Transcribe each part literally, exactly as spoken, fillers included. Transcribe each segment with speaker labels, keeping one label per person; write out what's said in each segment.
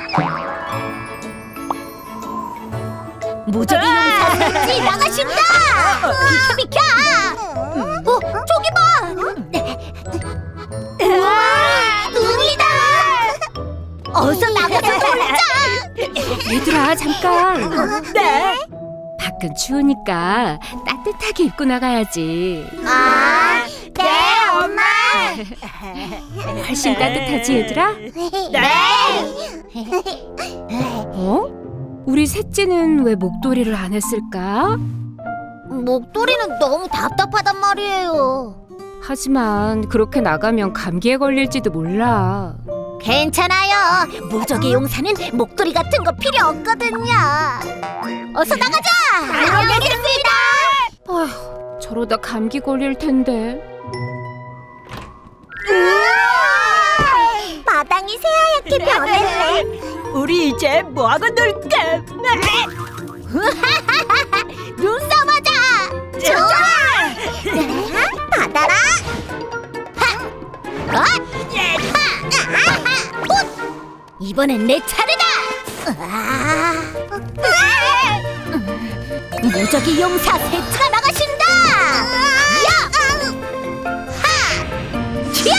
Speaker 1: 무적의 용사 셋지 나가신다! 비켜 비켜! 어, 저기 봐! 우와, 눈이다! 어서 나가서 놀자!
Speaker 2: 얘들아 잠깐.
Speaker 1: 네?
Speaker 2: 밖은 추우니까 따뜻하게 입고 나가야지.
Speaker 1: 아, 네 엄마!
Speaker 2: 훨씬 따뜻하지 얘들아?
Speaker 1: 네!
Speaker 2: 어? 우리 셋째는 왜 목도리를 안 했을까?
Speaker 1: 목도리는 너무 답답하단 말이에요.
Speaker 2: 하지만 그렇게 나가면 감기에 걸릴지도 몰라.
Speaker 1: 괜찮아요. 무적의 용사는 목도리 같은 거 필요 없거든요. 어서 나가자. 알겠습니다.
Speaker 2: 아휴, 저러다 감기 걸릴 텐데.
Speaker 1: 마당이 새하얗게 변했네.
Speaker 3: 우리 이제 뭐하고 놀까?
Speaker 1: 눈싸움하자. 좋아. 받아라. 하. 어? 하. 하. 이번엔 내 차례다. 무적의 용사 세차가 나가신다. 야. 하. 치야.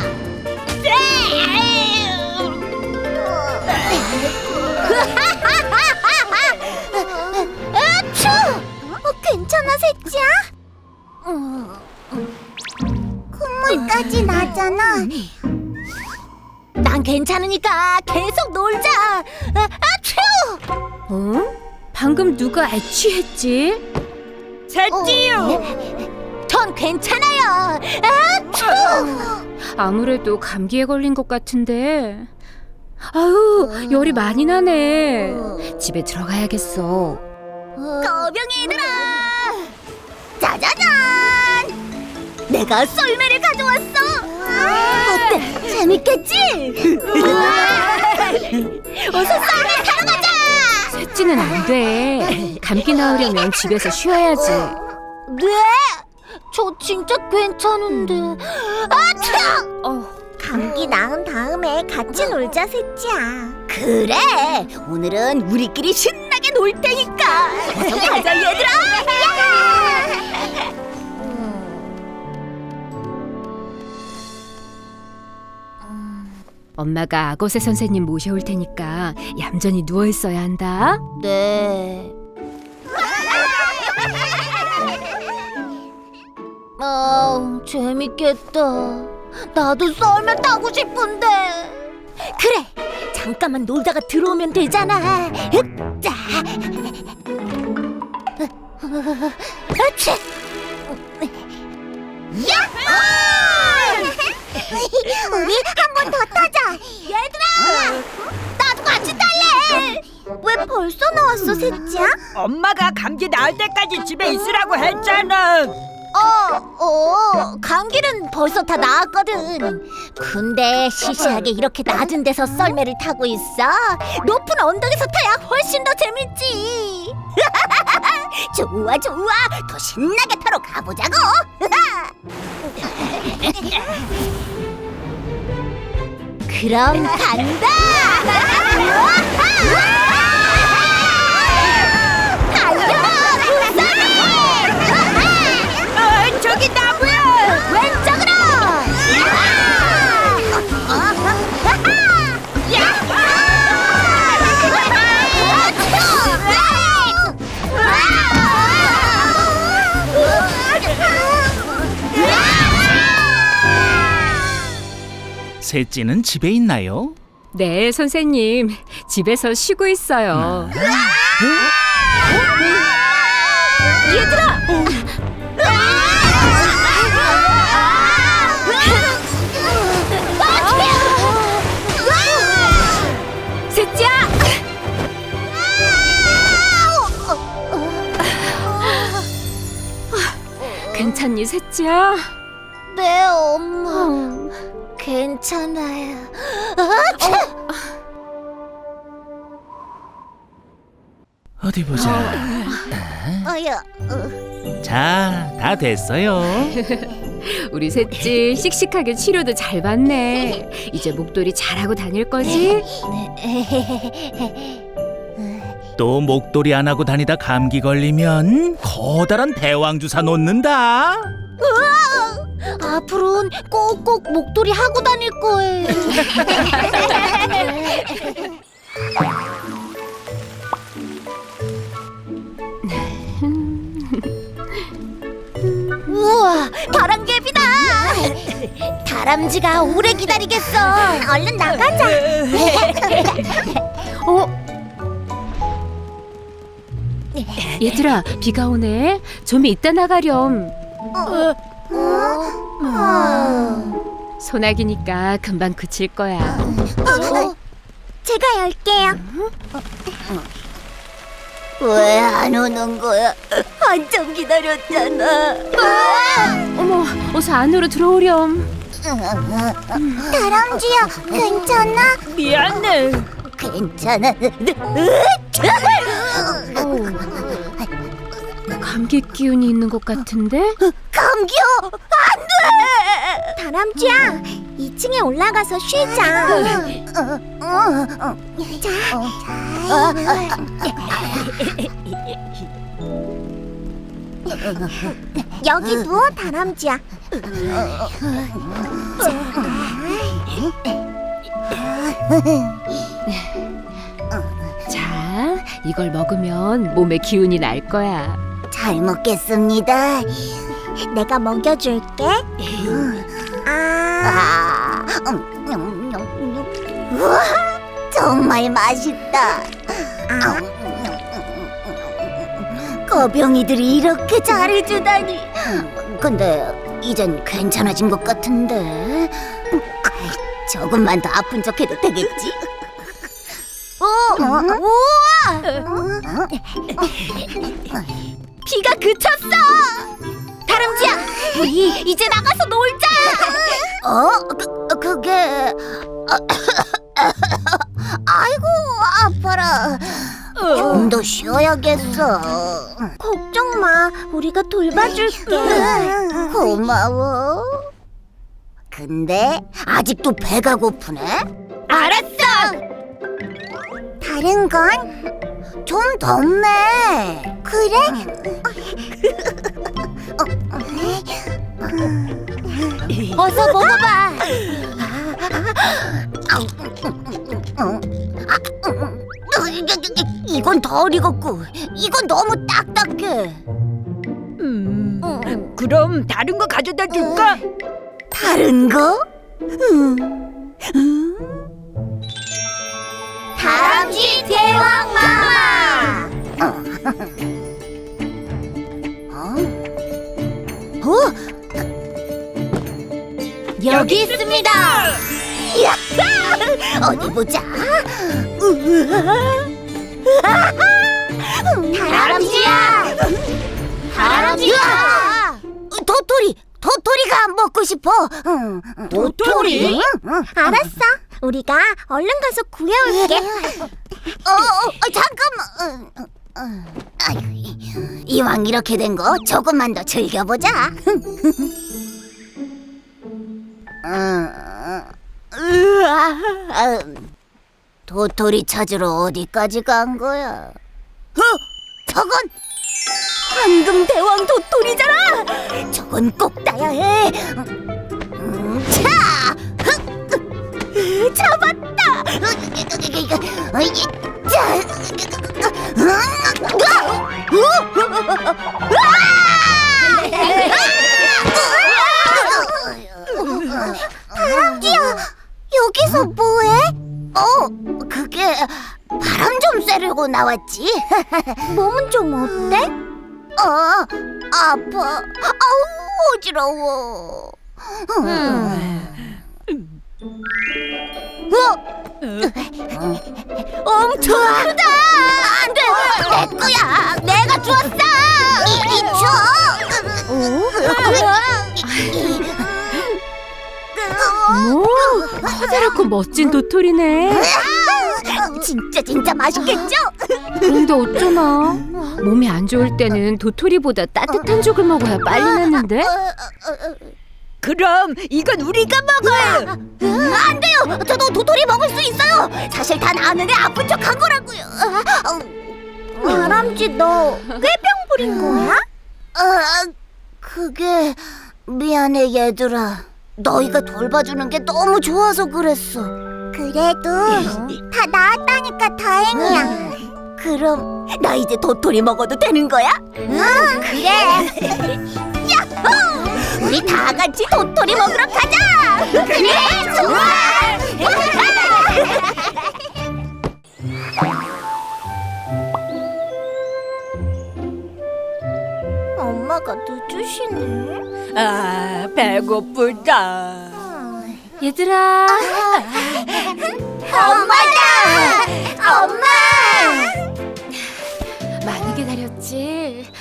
Speaker 1: 아추! 어, 괜찮아, 셋째야? 콧물까지 나잖아. 난 괜찮으니까 계속 놀자. 아, 아추!
Speaker 2: 어? 방금 누가 애취했지?
Speaker 3: 셋지요.
Speaker 1: 전 괜찮아요. 아추!
Speaker 2: 아무래도 감기에 걸린 것 같은데. 아유, 열이 많이 나네. 집에 들어가야겠어.
Speaker 1: 거병이 얘들아! 짜자잔! 내가 썰매를 가져왔어! 어때? 재밌겠지? 어서 썰매 타러 가자!
Speaker 2: 셋째는 안 돼. 감기 나으려면 집에서 쉬어야지.
Speaker 1: 네? 저 진짜 괜찮은데. 아차!
Speaker 2: 어.
Speaker 1: 감기 나은 다음에 같이 놀자, 셋째야. 그래! 오늘은 우리끼리 신나게 놀 테니까! 어서 가자, 얘들아!
Speaker 2: 엄마가 악어새 선생님 모셔올 테니까 얌전히 누워 있어야 한다.
Speaker 1: 네. 아, 재밌겠다. 나도 썰매 타고 싶은데. 그래, 잠깐만 놀다가 들어오면 되잖아. 으짜. 으치. 야호! 우리 한 번 더 타자. 얘들아, 나도 같이 탈래. 왜 벌써 나왔어, 셋째야?
Speaker 3: 엄마가 감기 나을 때까지 집에 있으라고 했잖아.
Speaker 1: 어, 어, 감기는 벌써 다 나았거든. 근데 시시하게 이렇게 낮은 데서 썰매를 타고 있어. 높은 언덕에서 타야 훨씬 더 재밌지. 좋아, 좋아. 더 신나게 타러 가보자고. 그럼 간다.
Speaker 3: 어, 저기 나무야.
Speaker 1: 왼쪽으로!
Speaker 4: 셋째는 집에 있나요?
Speaker 2: 네, 선생님. 집에서 쉬고 있어요.
Speaker 1: 얘들아!
Speaker 2: 셋째야! 괜찮니, 셋째야?
Speaker 1: 네, 엄마. 괜찮아요.
Speaker 4: 어디 보자.
Speaker 1: 어여, 어.
Speaker 4: 자, 다 됐어요.
Speaker 2: 우리 셋째 씩씩하게 치료도 잘 받네. 이제 목도리 잘하고 다닐 거지?
Speaker 4: 또 목도리 안 하고 다니다 감기 걸리면 커다란 대왕주사 놓는다.
Speaker 1: 앞으로는 꼭꼭 목도리 하고 다닐 거예요. 우와, 바람개비다. 다람쥐가 오래 기다리겠어. 얼른 나가자.
Speaker 2: 어? 얘들아, 비가 오네. 좀 이따 나가렴. 소나기니까 금방 그칠 거야.
Speaker 1: 어? 제가 열게요. 왜 안 오는 거야? 한참 기다렸잖아.
Speaker 2: 어머, 어서 안으로 들어오렴.
Speaker 1: 다람쥐야, 괜찮아?
Speaker 3: 미안해.
Speaker 1: 괜찮아.
Speaker 2: 감기 기운이 있는 것 같은데?
Speaker 1: 감기요? 안 돼! 다람쥐야, 이 층에 올라가서 쉬자. 여기 누워, 다람쥐야.
Speaker 2: 자, 이걸 먹으면 몸에 기운이 날 거야.
Speaker 1: 잘 먹겠습니다. 내가 먹여줄게. 아, 음, 음, 음. 우와, 정말 맛있다. 거병이들이 이렇게 잘해주다니. 근데 이젠 괜찮아진 것 같은데. 조금만 더 아픈 척해도 되겠지? 어, 우와! 비가 그쳤어! 다람쥐야, 우리 이제 나가서 놀자! 어? 그, 그게... 아이고, 아파라. 좀 더 쉬어야겠어. 걱정 마, 우리가 돌봐줄게. 고마워. 근데 아직도 배가 고프네? 알았어! 다른 건 좀 덥네. 그래? 어서 먹어봐. 이건 덜 익었고 이건 너무 딱딱해.
Speaker 3: 음, 그럼 다른 거 가져다 줄까?
Speaker 1: 다른 거? 음. 음. 다람쥐 대왕 마마. 어? 어? 여기 있습니다. 이야, 어디 보자. 다람쥐야, 다람쥐야. 도토리, 도토리가 먹고 싶어.
Speaker 3: 도토리?
Speaker 1: 알았어. 우리가 얼른 가서 구해올게. 어, 어, 어, 잠깐만. 어, 어, 아이고, 이왕 이렇게 된 거 조금만 더 즐겨보자. 음, 으아, 음, 도토리 찾으러 어디까지 간 거야? 어? 저건 황금 대왕 도토리잖아. 저건 꼭 따야 해. 음, 자, 흑, 잡았다. 다람쥐야, 여기서 뭐해? 어, 그게 바람 좀 쐬려고 나왔지. 몸은 좀 어때? 어, 아파. 아우, 어지러워. 어? 엄청 크다. 안 돼, 내 거야. 내가 주웠어. 이리 줘.
Speaker 2: 오, 커다랗고 멋진 도토리네.
Speaker 1: 진짜 진짜 맛있겠죠?
Speaker 2: 그런데 어쩌나? 몸이 안 좋을 때는 도토리보다 따뜻한 죽을 먹어야 빨리 낫는데?
Speaker 3: 그럼 이건 우리가 먹어요.
Speaker 1: 으, 안 돼요. 저도 도토리 먹을 수 있어요. 사실 다 나는데 아픈 척 한 거라고요. 아람쥐, 너 꾀병 부린 거야? 아, 그게 미안해 얘들아. 너희가 돌봐주는 게 너무 좋아서 그랬어. 그래도 다 나았다니까 다행이야. 그럼 나 이제 도토리 먹어도 되는 거야? 응, 그래. 야호! 우리 다 같이 도토리 먹으러 가자. 그래, 좋아. 엄마가 늦으시네.
Speaker 3: 아, 배고프다.
Speaker 2: 얘들아,
Speaker 1: 엄마다! 엄마!
Speaker 2: 많이 기다렸지?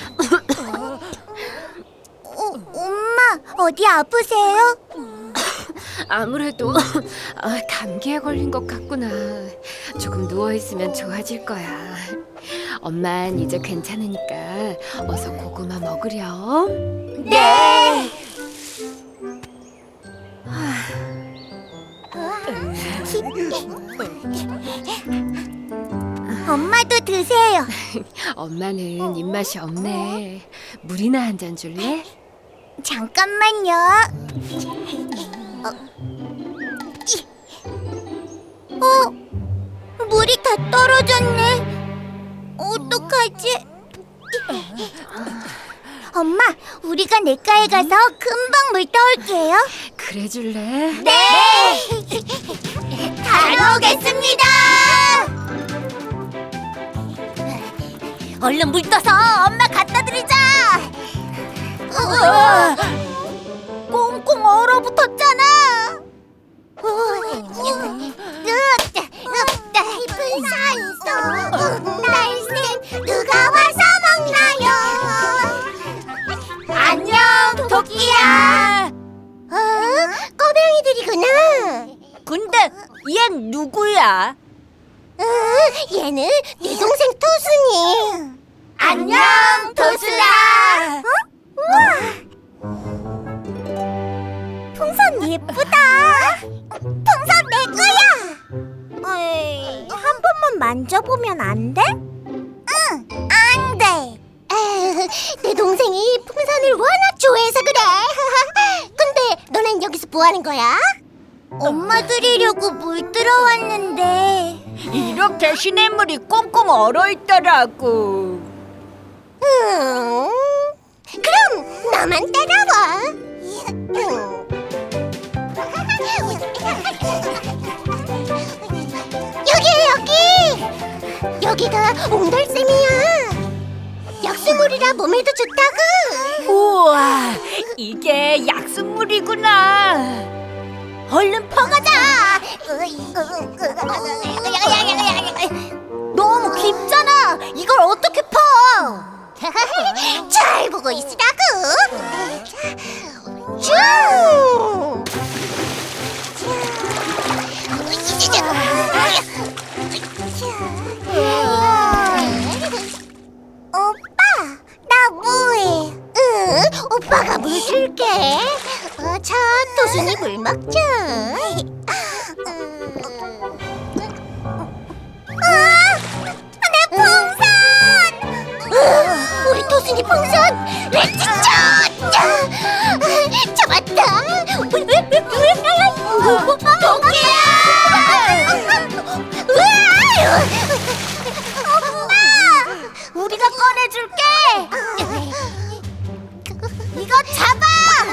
Speaker 1: 어, 엄마, 어디 아프세요?
Speaker 2: 아무래도 아, 감기에 걸린 것 같구나. 조금 누워 있으면 좋아질 거야. 엄만 이제 괜찮으니까 어서 고구마 먹으렴.
Speaker 1: 네! 엄마도 드세요.
Speaker 2: 엄마는 입맛이 없네. 물이나 한 잔 줄래?
Speaker 1: 잠깐만요. 어, 이. 어, 물이 다 떨어졌네. 어떡하지? 엄마, 우리가 냇가에 가서 금방 물 떠올게요.
Speaker 2: 그래 줄래?
Speaker 1: 네! 다녀오겠습니다! 얼른 물 떠서 엄마 갖다 드리자! 으아! 꽁꽁 얼어붙었잖아! 깊은 산속 날쌘 누가 와서 먹나요? 안녕 토끼야. 어? 꼬맹이들이구나.
Speaker 3: 근데 얜 누구야?
Speaker 1: 어, 얘는 네 동생 토순이. 안녕 토순아. 어? 우와. 풍선 예쁘다. 풍선 내 거야. 에이, 한 번만 만져보면 안 돼? 응, 안 돼. 에휴, 내 동생이 풍선을 워낙 좋아해서 그래. 근데 너넨 여기서 뭐 하는 거야? 엄마 드리려고 물 들어왔는데.
Speaker 3: 이렇게 시냇물이 꽁꽁 얼어있더라고.
Speaker 1: 음, 그럼 나만 따라와. 음. 여기야 여기. 여기가 옹달샘이야. 약수물이라 몸에도 좋다고.
Speaker 3: 우와, 이게 약수물이구나.
Speaker 1: 얼른 퍼가자. 너무 깊잖아. 이걸 어떻게 퍼? 잘 보고 있으라고. 쭉. 오빠, 나 뭐해? 응, 오빠가 물 줄게. 어, 자, 도순이 물 먹자. 아, 내 풍선! 으, 우리 도순이 풍선! 레츠샷! 잡았다! 토끼야! 엄마! 우리가 꺼내줄게! 이거 잡아!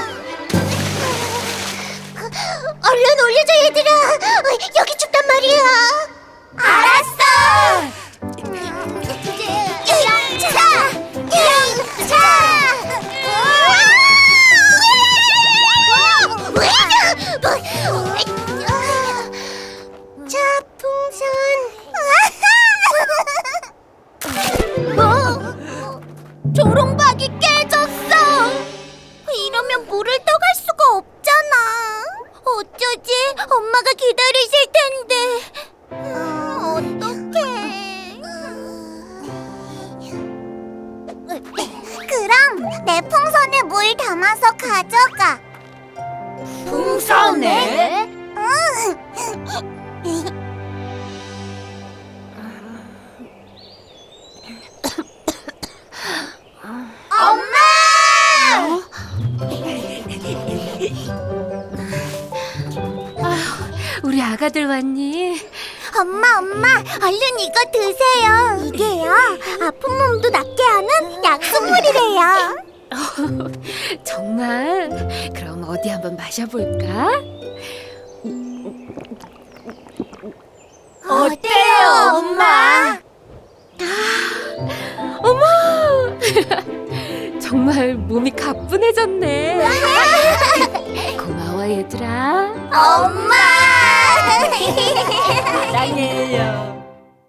Speaker 1: 얼른 올려줘 얘들아. 여기 춥단 말이야. 알았어. 영차, 영차. 자, 풍선. 어? 조롱박이 깨졌어. 이러면 물을 떠갈 수가 없잖아. 어쩌지? 엄마가 기다리실 텐데. 음, 어떡해. 그럼 내 풍선에 물 담아서 가져가.
Speaker 3: 엄청 싸우네.
Speaker 2: 우리 아가들 왔니?
Speaker 1: 엄마, 엄마, 얼른 이거 드세요. 이게요, 아픈 몸도 낫게 하는 약수물이래요.
Speaker 2: 정말? 그럼 어디 한번 마셔볼까?
Speaker 1: 어때요, 엄마?
Speaker 2: 어머! 정말 몸이 가뿐해졌네. 고마워 얘들아.
Speaker 1: 엄마!
Speaker 3: 사랑해요.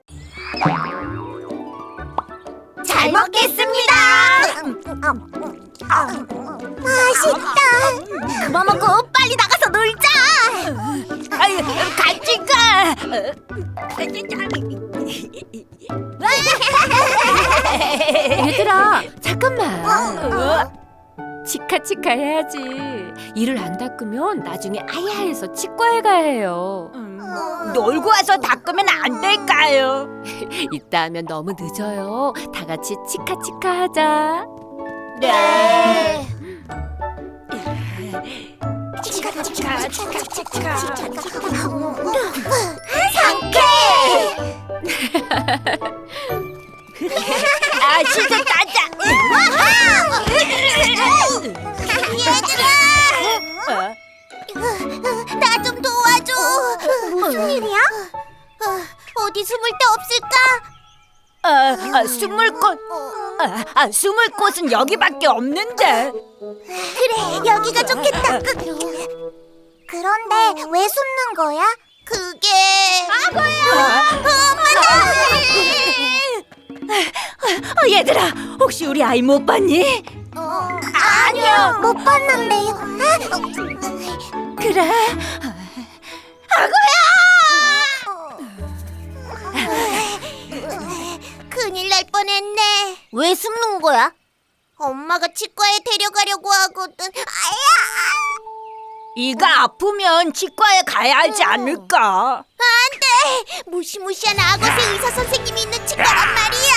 Speaker 1: 잘 먹겠습니다. 맛있다. 그만 먹고 빨리 나가서 놀자.
Speaker 3: 아유, 같이 가.
Speaker 2: 얘들아, 잠깐만.
Speaker 3: 어?
Speaker 2: 치카치카 해야지. 이를 안 닦으면 나중에 아야해서 치과에 가야 해요.
Speaker 3: 음, 놀고 와서 닦으면 안 될까요?
Speaker 2: 이따 하면 너무 늦어요. 다 같이 치카치카 하자.
Speaker 3: 네.
Speaker 1: 치카
Speaker 3: 치카, 치카, 치카.
Speaker 1: 상쾌.
Speaker 3: 아, 진짜 따자.
Speaker 1: 얘들아, 나 좀 도와줘. 무슨 일이야? 어디 숨을 데 없을까?
Speaker 3: 아, 아, 숨을 곳. 아, 아, 숨을 곳은 여기밖에 없는데.
Speaker 1: 그래, 여기가 좋겠다. 그런데 왜 숨는 거야? 그게 아고야.
Speaker 3: 어, 얘들아, 혹시 우리 아이 못 봤니?
Speaker 1: 아니요, 못 봤는데요.
Speaker 3: 그래.
Speaker 1: 큰일 날 뻔했네. 왜 숨는 거야? 엄마가 치과에 데려가려고 하거든. 아야!
Speaker 3: 이가 아프면 치과에 가야 하지 않을까?
Speaker 1: 안 돼! 무시무시한 악어새 의사 선생님이 있는 치과란 말이야.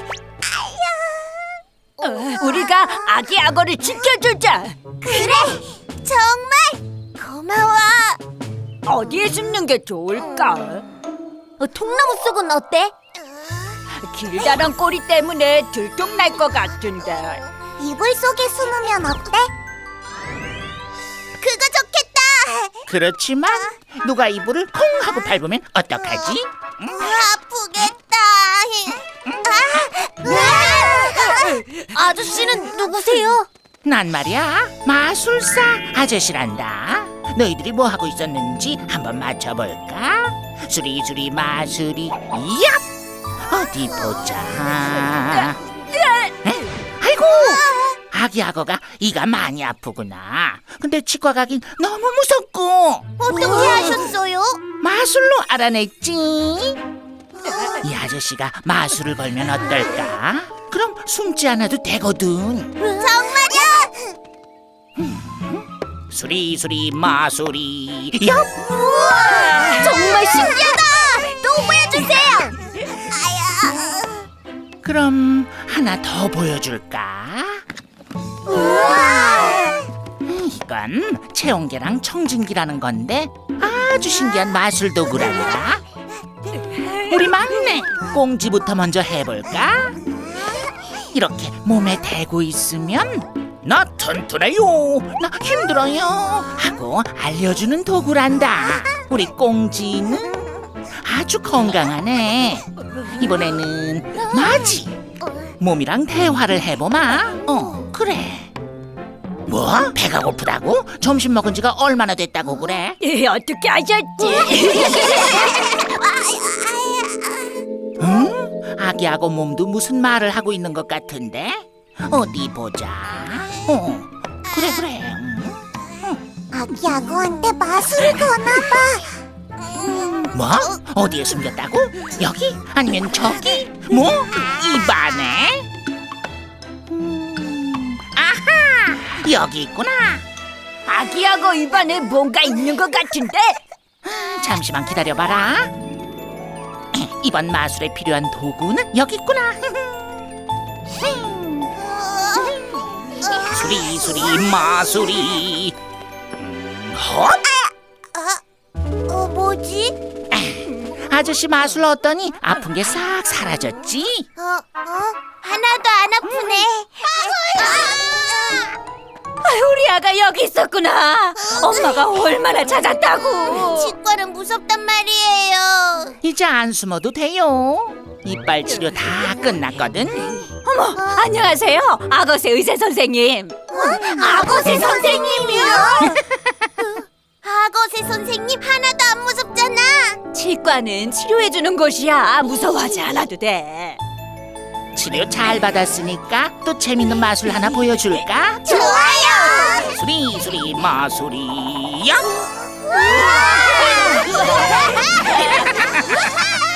Speaker 3: 어, 우리가 아기 악어를 지켜주자.
Speaker 1: 그래! 정말 고마워.
Speaker 3: 어디에 숨는 게 좋을까?
Speaker 1: 어, 통나무 속은 어때?
Speaker 3: 길다란 꼬리 때문에 들통날 것 같은데.
Speaker 1: 이불 속에 숨으면 어때? 그거 좋겠다.
Speaker 5: 그렇지만 누가 이불을 콩 하고 밟으면 어떡하지?
Speaker 1: 아프겠다. 아, 아저씨는 누구세요?
Speaker 5: 난 말이야 마술사 아저씨란다. 너희들이 뭐 하고 있었는지 한번 맞춰볼까? 수리수리 마수리 얍! 어디 보자. 에? 아이고 아기 악어가 이가 많이 아프구나. 근데 치과 가긴 너무 무섭고.
Speaker 1: 어떻게 하셨어요?
Speaker 5: 마술로 알아냈지. 이 아저씨가 마술을 걸면 어떨까? 그럼 숨지 않아도 되거든.
Speaker 1: 정말요?
Speaker 5: 수리수리 마수리 얍!
Speaker 1: 우와, 정말 신기하다. 또 보여주세요. 아야.
Speaker 5: 그럼 하나 더 보여줄까?
Speaker 1: 우와.
Speaker 5: 이건 체온계랑 청진기라는 건데 아주 신기한 마술 도구란다. 우리 막내 꽁지부터 먼저 해볼까? 이렇게 몸에 대고 있으면 나 튼튼해요, 나 힘들어요 하고 알려주는 도구란다. 우리 꽁지는 아주 건강하네. 이번에는 마지 몸이랑 대화를 해보마. 어, 그래. 뭐? 배가 고프다고? 점심 먹은 지가 얼마나 됐다고 그래?
Speaker 3: 예, 어떻게 하셨지?
Speaker 5: 응? 아기하고 몸도 무슨 말을 하고 있는 것 같은데? 어디 보자. 어, 그래 그래. 응.
Speaker 1: 아기 악어한테 마술을 거나봐.
Speaker 5: 뭐? 어디에 숨겼다고? 여기? 아니면 저기? 뭐? 입안에? 음, 아하! 여기 있구나.
Speaker 3: 아기하고 입안에 뭔가 있는 것 같은데?
Speaker 5: 잠시만 기다려봐라. 이번 마술에 필요한 도구는 여기 있구나. 수리 수리 마수리. 헛!
Speaker 1: 어, 뭐지?
Speaker 5: 아저씨 마술 넣었더니 아픈 게 싹 사라졌지?
Speaker 1: 어, 어? 하나도 안 아프네.
Speaker 3: 우리 아가 여기 있었구나. 엄마가 얼마나 찾았다고.
Speaker 1: 치과는 무섭단 말이에요.
Speaker 5: 이제 안 숨어도 돼요. 이빨 치료 다 끝났거든.
Speaker 3: 어머, 안녕하세요. 악어새 의사 선생님.
Speaker 1: 악어새 선생님이요? 악어새 선생님 하나도 안 무섭잖아.
Speaker 3: 치과는 치료해주는 곳이야. 무서워하지 않아도 돼.
Speaker 5: 치료 잘 받았으니까 또 재밌는 마술 하나 보여줄까?
Speaker 1: 좋아요.
Speaker 5: 수리 수리 마술이 야!
Speaker 1: 우와!